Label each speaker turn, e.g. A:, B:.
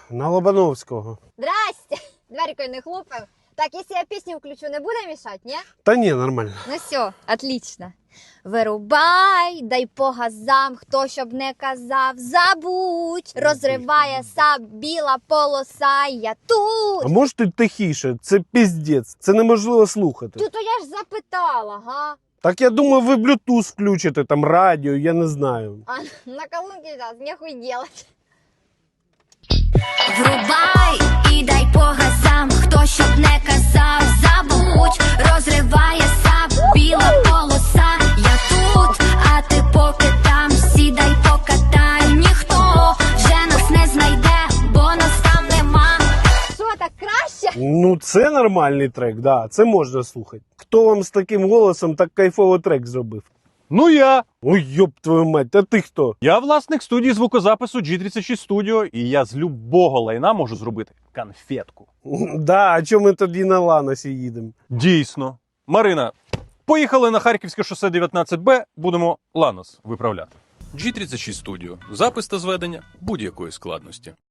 A: На Лобановського.
B: Здрасте! Дверькою не хлопав. Так, якщо я пісню включу, не буде мішати, ні?
A: Та ні, нормально.
B: Ну все, отлично. Вирубай, дай по газам, хто щоб не казав, забудь, розриває саб біла полоса, я тут.
A: А може ти тихіше? Це піздець. Це неможливо слухати.
B: Тут я ж запитала, га?
A: Так я думаю, ви Bluetooth включите, там радіо, я не знаю.
B: А на колонке зараз нехуй делать.
C: Врубай і дай по газам, хто щоб не казав, забудь, розриває саб біла полоса, я тут, а ти поки там, сідай покатай, ніхто вже нас не знайде, бо нас там нема.
B: Що, так краще?
A: Ну, це нормальний трек, да, це можна слухати. Хто вам з таким голосом так кайфово трек зробив?
D: Ну я.
A: Ой, йоп твою мать, а ти хто?
D: Я власник студії звукозапису G36 Studio, і я з любого лайна можу зробити конфетку.
A: Да, а чому ми тоді на Ланосі їдемо?
D: Дійсно. Марина, поїхали на Харківське шосе 19Б, будемо Ланос виправляти. G36 Studio. Запис та зведення будь-якої складності.